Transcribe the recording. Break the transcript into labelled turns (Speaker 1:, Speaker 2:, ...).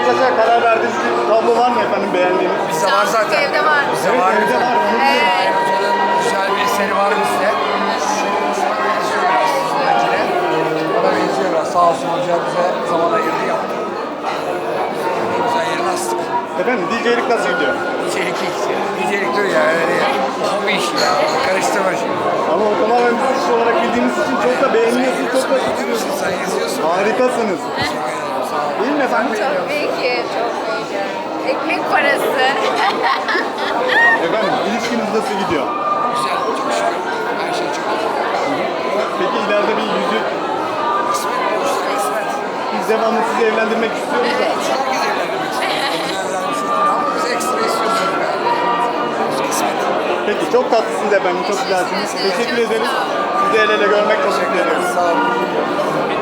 Speaker 1: ortaklaşa karar verdiğiniz bir tablo var mı efendim beğendiğiniz?
Speaker 2: Bizde var zaten.
Speaker 3: Evde var.
Speaker 2: Bizde
Speaker 1: Evet,
Speaker 2: var.
Speaker 1: evde var.
Speaker 3: Evet.
Speaker 2: Hoca'nın güzel bir eseri var bizde. Şuna benziyor biraz Sinencine. Ona benziyor biraz. Sağ olsun hoca bize zaman ayırdı yaptı. Ne güzel yerine astık.
Speaker 1: Efendim DJ'lik nasıl gidiyor?
Speaker 2: Nicelik ilk. Nicelik diyor ya öyle ya. Hobi işi ya. Karıştırma şimdi.
Speaker 1: Ama o tamamen biz iş olarak bildiğimiz için çok da beğeniyorsunuz, çok da
Speaker 2: Yazıyorsun sen yazıyorsun.
Speaker 1: harikasınız. Değil mi efendim?
Speaker 3: Çok iyi, çok iyi. Ekmek parası.
Speaker 1: Efendim ilişkiniz nasıl gidiyor?
Speaker 2: Güzel. Çok şükür. Her şey çok iyi.
Speaker 1: Peki ileride bir yüzük,
Speaker 2: Kısmet olursa kısmet.
Speaker 1: biz devamlı sizi evlendirmek istiyoruz da.
Speaker 2: Herkes evlendirmek istiyor. Güzel bir şey değil ama biz ekstra istiyoruz yani. Kısmet.
Speaker 1: Peki çok tatlısınız efendim, çok güzelsiniz. Teşekkür ederiz. Sizi el ele görmek çok mutlu ediyoruz.
Speaker 2: Sağ olun.